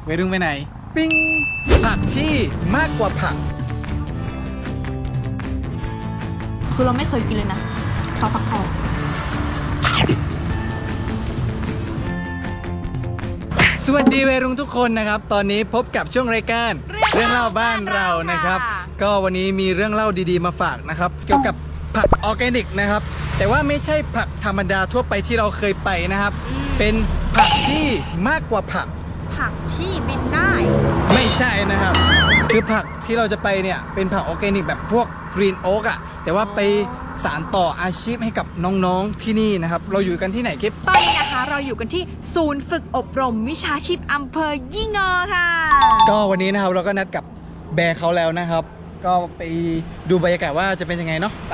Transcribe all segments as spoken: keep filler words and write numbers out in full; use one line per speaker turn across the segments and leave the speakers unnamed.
วัยรุ่นไปไหนปิ้งผักที่มากกว่าผัก
คือเราไม่เคยกินเลยนะข้าวผักทอง
สวัสดีวัยรุ่นทุกคนนะครับตอนนี้พบกับช่วงรายการเรื่องเล่าบ้านเรานะครับก็วันนี้มีเรื่องเล่าดีๆมาฝากนะครับเกี่ยวกับผักออร์แกนิกนะครับแต่ว่าไม่ใช่ผักธรรมดาทั่วไปที่เราเคยไปนะครับเป็นผักที่มากกว่าผัก
ผักที่บินได้
ไม่ใช่นะครับคือผักที่เราจะไปเนี่ยเป็นผักออร์แกนิกแบบพวกกรีนโอ๊กอะแต่ว่าไปสานต่ออาชีพให้กับน้องๆที่นี่นะครับเราอยู่กันที่ไหนกิ๊บ
ตอนนี้นะคะเราอยู่กันที่ศูนย์ฝึกอบรมวิชาชีพอำเภอยี่งอค่ะ
ก็วันนี้นะครับเราก็นัดกับแบร์เขาแล้วนะครับก็ไปดูบรรยากาศว่าจะเป็นยังไงเนาะไป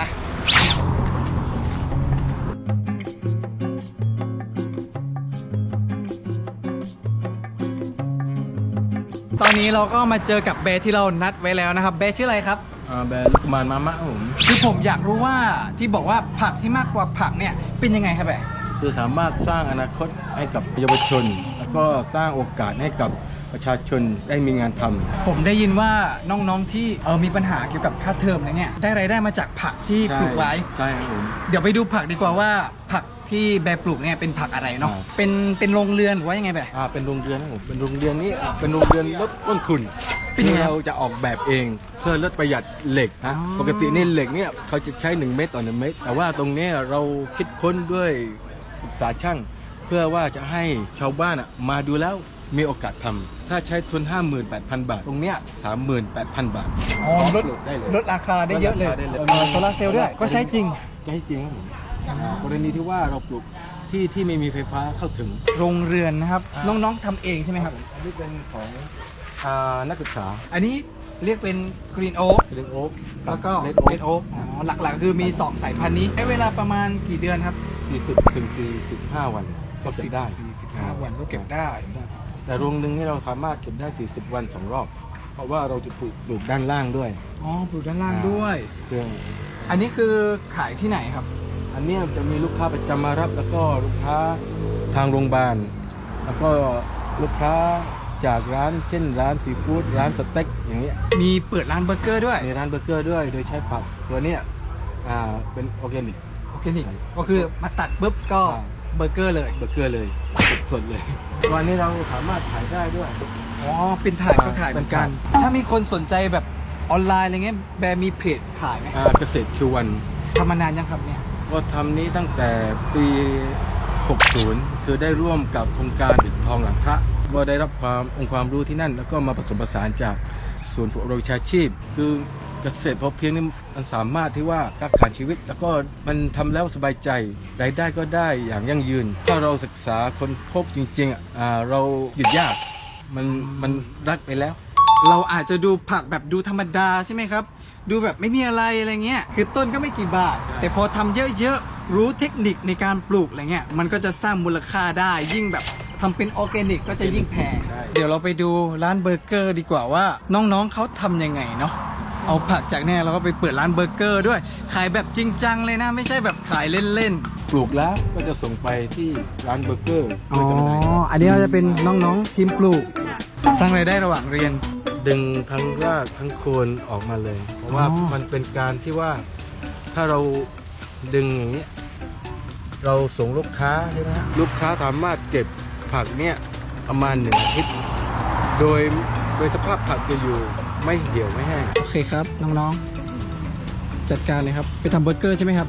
ตอนนี้เราก็มาเจอกับแบร์ที่เรานัดไว้แล้วนะครับแบร์ชื่ออะไรครับ
แบร์ลูกมานมามะผม
คือผมอยากรู้ว่าที่บอกว่าผักที่มากกว่าผักเนี่ยเป็นยังไงครับแบร์
คือสามารถสร้างอนาคตให้กับเยาวชนแล้วก็สร้างโอกาสให้กับประชาชนได้มีงานทำ
ผมได้ยินว่าน้องๆที่เออมีปัญหาเกี่ยวกับค่าเทอมอะไรเงี้ยได้รายได้มาจากผักที่ปลูกไว้
ใช่ครับผม
เดี๋ยวไปดูผักดีกว่าว่าผักที่แบร์ปลูกเนี่ยเป็นผักอะไรเนาะเป็นเป็นโรงเรือนหรือว่ายังไงแบร์
อ่าเป็นโรงเรือนครับผมเป็นโรงเรือนนี้เป็นโรงเรือนลดต้นทุนที่เราจะออกแบบเองเพื่อลดประหยัดเหล็กนะปกตินี่เหล็กเนี่ยเขาจะใช้หนึ่งเมตรต่อหนึ่งเมตรแต่ว่าตรงนี้เราคิดค้นด้วยศึกษาช่างเพื่อว่าจะให้ชาวบ้านมาดูแล้วมีโอกาสทำถ้าใช้ทุน ห้าหมื่นแปดพัน บาทตรงเนี้ย สามหมื่นแปดพัน บาท
อ๋อลดได้เลยลดราคาได้เยอะเลยโซลาร์เซลล์ด้วยก็ใช้จริง
ใช้จริงครับผมกรณีที่ว่าเราปลูกที่ที่ไม่มีไฟฟ้าเข้าถึง
โรงเรือนนะครับน้องๆทำเองใช่ไหมครับ
อันนี้เป็นของนักศึกษา
อันนี้เรียกเป็นกรีนโอ๊ก
กรีนโอ๊ก
แล้วก็เลดโอ๊กอ๋อหลักๆคือมีสองสายพันธุ์นี้ใช้เวลาประมาณกี่เดือนครับ
สี่สิบถึงสี่สิบห้าวันก็เก็บได้
สี่สิบห้าวันก็เก็บได้
แต่รวงหนึ่งที่เราสามารถเก็บได้สี่สิบวันสองรอบเพราะว่าเราจะปลูกปลูกด้านล่างด้วย
อ๋อปลูกด้านล่างด้วย
เรื่อง
อันนี้คือขายที่ไหนครับ
อันนี้จะมีลูกค้าประจำมารับแล้วก็ลูกค้าทางโรงพยาบาลแล้วก็ลูกค้าจากร้านเช่นร้านซีฟู้ดร้านสเต็กอย่างเงี้ย
มีเปิดร้านเบอร์เกอร์ด้วย
มีร้านเบอร์เกอร์ด้วยโดยใช้ผักตัวเนี้ยอ่าเป็นออร์แกนิก
ออร์แกนิกก็คือมาตัดปุ๊บก็เบอร์เกอร์เลย
เบอร์เกอร์เลยสดๆเลยวันนี้เราสามารถขายได้ด้วย
อ๋อเป็นถ่ายก็ขายเหมือนกันถ้ามีคนสนใจแบบออนไลน์อะไรเงี้ยแบร์มีเพจขายไหม
อ่าเกษตรคิววัน
ทำมานานยังครับเนี่ย
ก็ทำนี้ตั้งแต่ปีหกสิบคือได้ร่วมกับโครงการปิดทองหลังพระก็ได้รับความองค์ความรู้ที่นั่นแล้วก็มาผสมผสานจากศูนย์ฝึกอบรมวิชาชีพคือเกษตรพอเพียงนี่มันสามารถที่ว่ารักษาชีวิตแล้วก็มันทำแล้วสบายใจรายได้ก็ได้อย่างยั่งยืนถ้าเราศึกษาคนพบจริงๆอ่าเราหยุดยากมันมันรักไปแล้ว
เราอาจจะดูผักแบบดูธรรมดาใช่ไหมครับดูแบบไม่มีอะไรอะไรเงี้ยคือต้นก็ไม่กี่บาทแต่พอทำเยอะๆรู้เทคนิคในการปลูกอะไรเงี้ยมันก็จะสร้างมูลค่าได้ยิ่งแบบทำเป็นออร์แกนิกก็จะยิ่งแพงเดี๋ยวเราไปดูร้านเบอร์เกอร์ดีกว่าว่าน้องๆเขาทำยังไงเนาะเอาผักจากเนี่ยเราก็ไปเปิดร้านเบอร์เกอร์ด้วยขายแบบจริงจังเลยนะไม่ใช่แบบขายเล่น
ๆปลูกแล้วก็จะส่งไปที่ร้านเบอร์เกอร์
อ๋ออันนี้เราจะเป็นน้องๆทีมปลูกสร้างรายได้ระหว่างเรียน
ดึงทั้งรากทั้งโคนออกมาเลยเพราะว่ามันเป็นการที่ว่าถ้าเราดึงอย่างนี้เราส่งลูกค้าใช่ไหมลูกค้าสามารถเก็บผักเนี่ยประมาณหนึ่งอาทิตย์โดยโดยสภาพผักจะอยู่ไม่เหี่ยวไม่แห้ง
โอเคครับน้องๆจัดการเลยครับไปทำเบอร์เกอร์ใช่ไหมครับ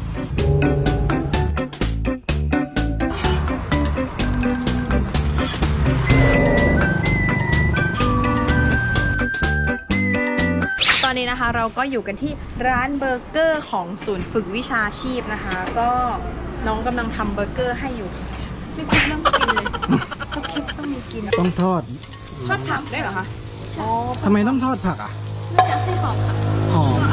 ตอนนี้นะคะเราก็อยู่กันที่ร้านเบอร์เกอร์ของศูนย์ฝึกวิชาชีพนะคะก็น้องกำลังทำเบอร์เกอร์ให้อยู่ไม่คิดต้องกินเลยก็คิดต้องมีกิน
ต้องทอด
ทอดผักได้เหรอคะ
อ๋อทำไมต้องทอดผักอ่ะ
น่าจะให้หอมค่ะ
หอม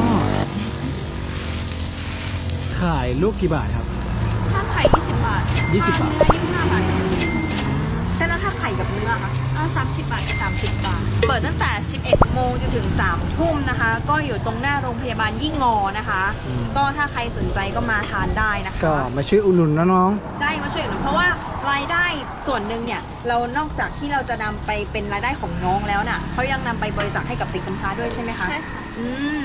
ขายลูกกี่บาทครับ
ถ้าไข่ยี่สิบบาท
ยี่สิบบาท
เนื้อยี่สิบห้าบาทใช่แล้วถ้าไข่กับเนื้อคะเออสามสิบบาทสามสิบบาทเปิดตั้งแต่สิบเอ็ดโมงจนถึงสามทุ่มนะคะก็อยู่ตรงหน้าโรงพยาบาลยี่งอนะคะก็ถ้าใครสนใจก็มาทานได้นะคะ
ก็มาช่วยอุดหนุนนะน้อง
ใช่มาช่วยอุดหนุนเพราะว่ารายได้ส่วนหนึ่งเนี่ยเรานอกจากที่เราจะนำไปเป็นรายได้ของน้องแล้วน่ะเขายังนำไปบริจาคให้กับเด็กกำพร้าด้วยใช่ไหมคะใช่อืม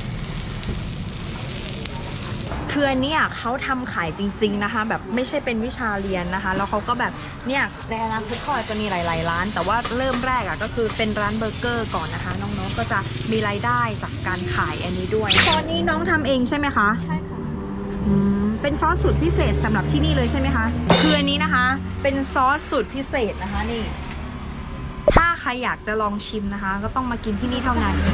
คืออันเนี้ยเขาทำขายจริงๆนะคะแบบไม่ใช่เป็นวิชาเรียนนะคะแล้วเขาก็แบบเนี่ยในอนาคตเขาอาจจะมีหลายๆร้านแต่ว่าเริ่มแรกอ่ะก็คือเป็นร้านเบอร์เกอร์ก่อนนะคะน้องๆก็จะมีรายได้จากการขายอันนี้ด้วยซอสนี้น้องทำเองใช่ไหมคะใช่ค่ะอืมเป็นซอสสูตรพิเศษสำหรับที่นี่เลยใช่ไหมคะคืออันนี้นะคะเป็นซอสสูตรพิเศษนะคะนี่ถ้าใครอยากจะลองชิมนะคะก็ต้องมากินที่นี่เท่านั้น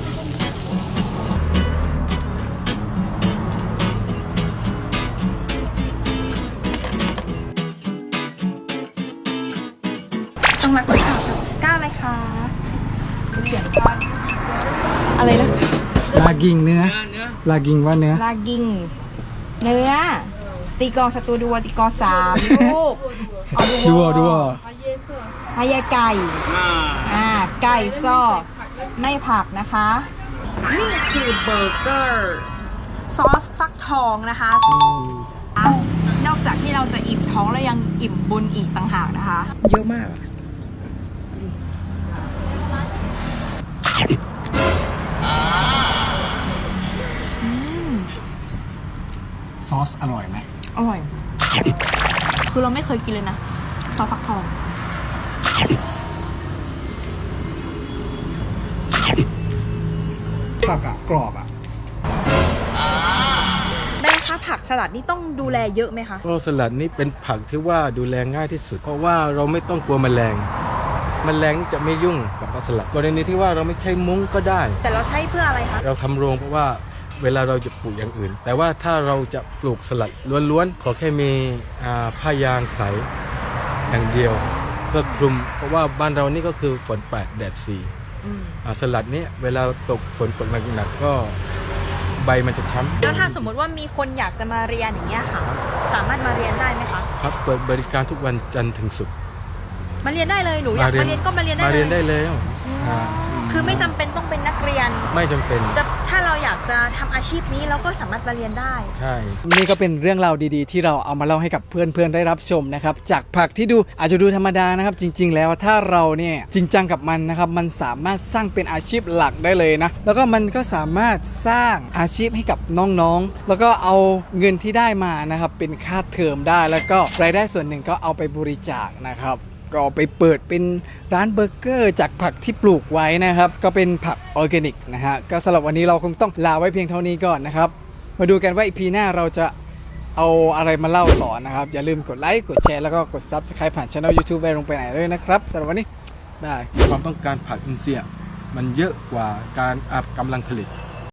ต้องรักษาก้าวอะไรคะเขียนว่าอะไรนะ
ลากิงเนื้อลากิงว่าเนื้อ
ลากิงเนื้อตีกองสตูดัวตีกองสามลูกเอา
ดูอ่ะดูอ่ะ
ฮายาไก่อ่าไก่ซ่อไม่ผักนะคะนี่คือเบอร์เกอร์ซอสฟักทองนะคะนอกจากที่เราจะอิ่มท้องแล้วยังอิ่มบุญอีกต่างหากนะคะเยอะมาก
ซอสอร่อยไหม
อร่อยคือเราไม่เคยกินเลยนะซอสฟักทอง
ผักอ่ะกรอบอ่ะ
แม่คะผักสลัดนี่ต้องดูแลเยอะไหมคะ
ก็สลัดนี้เป็นผักที่ว่าดูแลง่ายที่สุด เพราะว่าเราไม่ต้องกลัวแมลงแมลงนี่จะไม่ยุ่งกับผักสลัดกรณีที่ว่าเราไม่ใช้มุ้งก็ได้
แต่เราใช้เพื่ออะไรคะ
เราทำโรงเพราะว่าเวลาเราจะปลูกอย่างอื่น แต่ว่าถ้าเราจะปลูกสลัดล้วนๆขอแค่มีอ่าผ้ายางใสอย่างเดียวเพื่อคลุม เพราะว่าบ้านเรานี่ก็คือฝนแปดแดดสี่
อืม
อ่าสลัดนี้เวลาตกฝนตกหนักๆก็ใบมันจะช้ำ
แล้วถ้าสมมติว่ามีคนอยากจะมาเรียนอย่างเงี้ยค่ะ สามารถมาเรียนได้ไหมคะ
ครับเปิดบริการทุกวันจันทร์ถึงศุกร์
มาเรียนได้เลยหนูอยากมาเรียนก็มาเรียนได้
มา
เล
เรีย
ย
นได้แล้ว
อ๋อ
อ่า
คือไม่จำเป็นต้องเป็นนักเรียน
ไม่จำเป็น
จะถ้าเราอยากจะทำอาชีพนี้เราก็สามารถมาเรียนได้
ใช่
นี่ก็เป็นเรื่องราวดีๆ ที่เราเอามาเล่าให้กับเพื่อนๆได้รับชมนะครับจากผักที่ดูอาจจะดูธรรมดานะครับจริงๆแล้วถ้าเราเนี่ยจริงจังกับมันนะครับมันสามารถสร้างเป็นอาชีพหลักได้เลยนะแล้วก็มันก็สามารถสร้างอาชีพให้กับน้องๆแล้วก็เอาเงินที่ได้มานะครับเป็นค่าเทอมได้แล้วก็รายได้ส่วนหนึ่งก็เอาไปบริจาคนะครับก็ไปเปิดเป็นร้านเบอร์เกอร์จากผักที่ปลูกไว้นะครับก็เป็นผักออร์แกนิกนะฮะก็สำหรับวันนี้เราคงต้องลาไว้เพียงเท่านี้ก่อนนะครับมาดูกันว่าอีพีหน้าเราจะเอาอะไรมาเล่าต่อนะครับอย่าลืมกดไลค์กดแชร์แล้วก็กด ซับสไครบ์ ผ่านช่อง YouTube ไปลงไปไหนด้วยนะครับสำหรับวันนี้บาย
ความต้องการผักอินทรีย์มันเยอะกว่าการอัพกำลังผลิต